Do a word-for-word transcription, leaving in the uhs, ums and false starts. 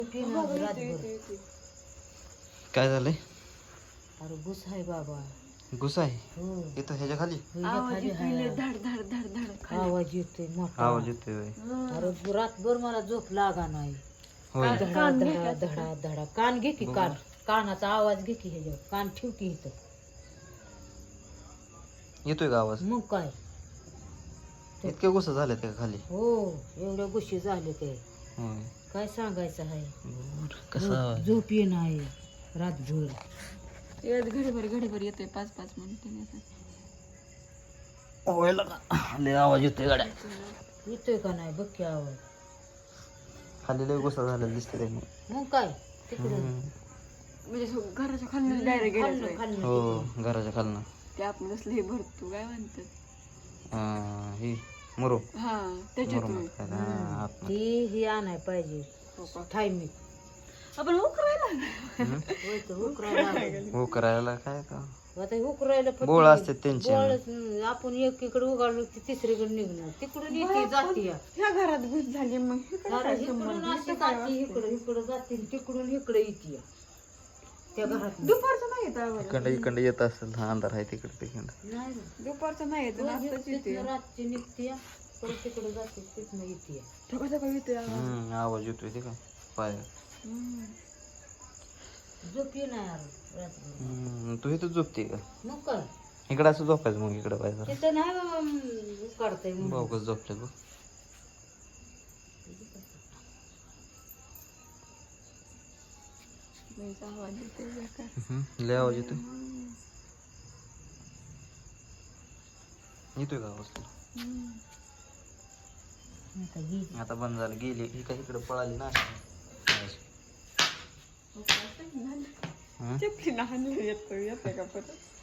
काय झालंय? अरे घुस आहे बाबा, घुस आहे हो इथं ह्याच्या खाली आवाज येतोय मोठा. आवाज येतोय होय. अरे रातभर मला झोप लागा नाही. होय धडा धडा धडा धडा कान घे की, बघू. कान कानाचा आवाज घे की, ह्याच्यावर कान ठेव की इथं. येतोय का आवाज? मग काय, इतके घुस झाले त्या खाली? हो एवढ्या गोष्टी झाले ते होय. काय सांगायचं आहे. बरं, कसा आवाज? झोप ये नाही रातभर. घडीभर घडीभर येतोय पाच पाच मिनिटं. होय लगा लय आवाज येतोय गाड्या. येतोय का नाही बघ की आवाज. खाली लय घुसा झालेला दिसते ते. मग काय तिकडे म्हणजे घराच्या खाली डायरेक्ट गेलं खाल्लं हो घराच्या खालनं. ते आपण असलं हे भरतो काय म्हणतात अं, ही मुरो हा मुरुम त्याच्यातून काय ते, हा, आतमध्ये. ती ही आणाय पाहिजे थायमी. आपण उकरायला हम्म. होय तर उकरायला लागेल. हो करायला काय का आता उकरायला पण बोळ ती- असते त्यांचे. बोळच, हं, आपण एकीकडे उगाडलो की तिसरीकडे निघणार, तिकडून येते जाते या. ह्या घरात घुस झाली मग इकडं अरे काय इकडून संबंध? असं जाते, इकडं इकडं जाते, तिकडून इकडे येते या. त्या घरात दुपारचं नाही येत आवाज. इकडं इकडं येत असेल. हा अंधार आहे तिकडे तिकडं. नाही ना. दुपारचं नाही येत रोज नाश्ताच येते तिथनं रातची निघते या, परत तिकडे जाते, तिथनं येते या. सकाळ सकाळी येतोय आवाज. हम्म आवाज येतोय ते काय पाय. हम्म. झोप ये नाही अरे रात्रभर. हम्म, तू इथं झोपते का? मग काय इकडं असं झोपायचं मग इकडं पाहिजे. तिथं नाही बाबा, अं, उकाडतंय म्हणून. भाऊ कसं झोपले बघ. लयच आवाज येतोय बरं का. हम्म, लय आवाज येतोय. येतोय का आवाज तुला? हम्म. आता गेली. आता बंद झालं. गेली ही काय इकडे पळाली ना. हं? चपली लहान येतोय येतोय का परत